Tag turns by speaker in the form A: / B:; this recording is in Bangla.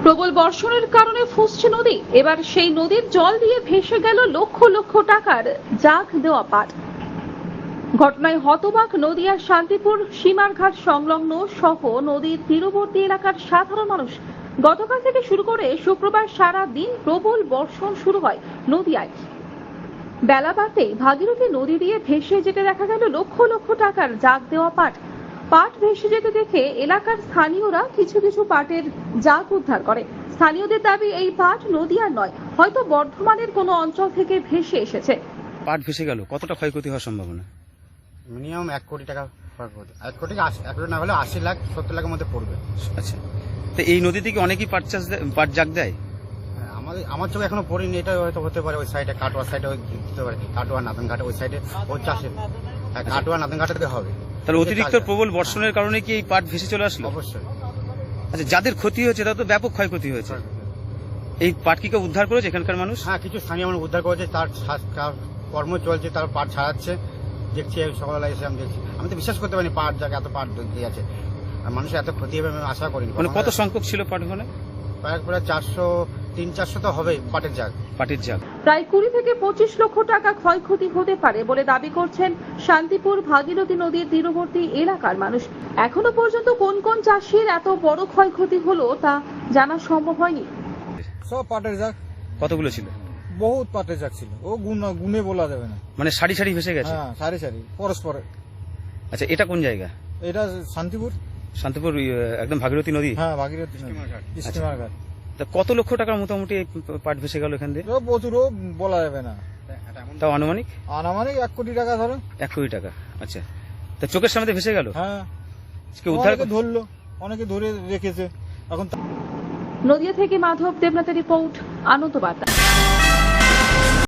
A: প্রবল বর্ষণের কারণে ফুসছে নদী। এবার সেই নদীর জল দিয়ে ভেসে গেল লক্ষ লক্ষ টাকার জাগ দেওয়া পাট। ঘটনায় হতবাক নদিয়ার শান্তিপুর সীমারঘাট সংলগ্ন সহ নদীর তীরবর্তী এলাকার সাধারণ মানুষ। গতকাল থেকে শুরু করে শুক্রবার সারা দিন প্রবল বর্ষণ শুরু হয় নদিয়ায়। বেলা বাড়তেই ভাগীরথী নদী দিয়ে ভেসে যেতে দেখা গেল লক্ষ লক্ষ টাকার জাগ দেওয়া পাট। পাট ভেসে যেতে দেখে এলাকার স্থানীয়রা কিছু কিছু পাটের জাগ উদ্ধার করে। স্থানীয়দের দাবি এই পাট নদিয়ার নয়, হয়তো বর্ধমানের কোনো অঞ্চল থেকে ভেসে এসেছে।
B: পাট ভেসে গেল, কতটা ক্ষয়ক্ষতি হওয়ার সম্ভাবনা?
C: মিনিমাম 1 কোটি টাকা ক্ষয়ক্ষতি। 1 কোটি না হলে 80 লাখ 70 লাখের মধ্যে পড়বে।
B: আচ্ছা, তো এই নদী থেকে অনেকেই পাট জাগ দেয়।
C: আমার চোখে এখনো পড়িনি, এটা হয়তো হতে পারে ওই সাইডে কাটোয়া সাইডে দিতে পারে, কাটোয়া নাতনঘাটে ওই সাইডে ওই চাষে কাটোয়া নাতনঘাটে থেকে হবে।
B: তাহলে অতিরিক্ত প্রবল বর্ষণের কারণে কি এই পাট ভেসে চলে আসলো?
C: অবশ্যই।
B: আচ্ছা, যাদের ক্ষতি হয়েছে তাদের তো ব্যাপক ক্ষয়ক্ষতি হয়েছে। এই পাট কি কেউ উদ্ধার করেছে এখানকার মানুষ?
C: হ্যাঁ, কিছু স্থানীয় মানুষ উদ্ধার করেছে, তার কর্ম চলছে, তার পাট ছাড়াচ্ছে। দেখছি সকালবেলা এসে আমি দেখছি, আমি তো বিশ্বাস করতে পারিনি পাট জায়গা এত পাট দিয়ে আছে আর মানুষের এত ক্ষতি হবে আমি আশা করিনি।
B: মানে কত সংখ্যক ছিল পাট ওখানে?
C: প্রায় 300-400 তো হবেই পাটের জাগ।
B: পাটের জাগ
A: প্রায় 20 থেকে 25 লক্ষ টাকা ক্ষয়ক্ষতি হতে পারে বলে দাবি করছেন শান্তিপুর ভাগীরথী নদীর তীরবর্তী এলাকার মানুষ। এখনো পর্যন্ত কোন কোন চাষির এত বড় ক্ষয়ক্ষতি হলো তা জানা সম্ভব হয়নি।
D: সব পাটের জাগ।
B: কতগুলো ছিল?
D: বহুত পাটের জাগ ছিল, ও গুনে বলা যাবে না।
B: মানে সারি সারি ভেসে গেছে?
D: হ্যাঁ, সারি সারি পরস্পর।
B: আচ্ছা, এটা কোন জায়গা?
D: এটা শান্তিপুর।
B: শান্তিপুর একদম ভাগীরথী নদী?
D: হ্যাঁ, ভাগীরথী স্টিমার ঘাট।
B: তা কত লক্ষ টাকার মোটামুটি এই পাট ভেসে গেল এখান দিয়ে?
D: প্রচুর, বলা যাবে না।
B: তাও আনুমানিক?
D: আনুমানিক 1 কোটি টাকা ধরো।
B: 1 কোটি টাকা। আচ্ছা, তা চোখের সামনে ভেসে গেল?
D: হ্যাঁ,
B: কেউ উদ্ধার
D: অনেকে ধরলো, অনেকে ধরে রেখেছে এখন।
A: নদিয়া থেকে মাধব দেবনাথের রিপোর্ট, আনন্দ বার্তা।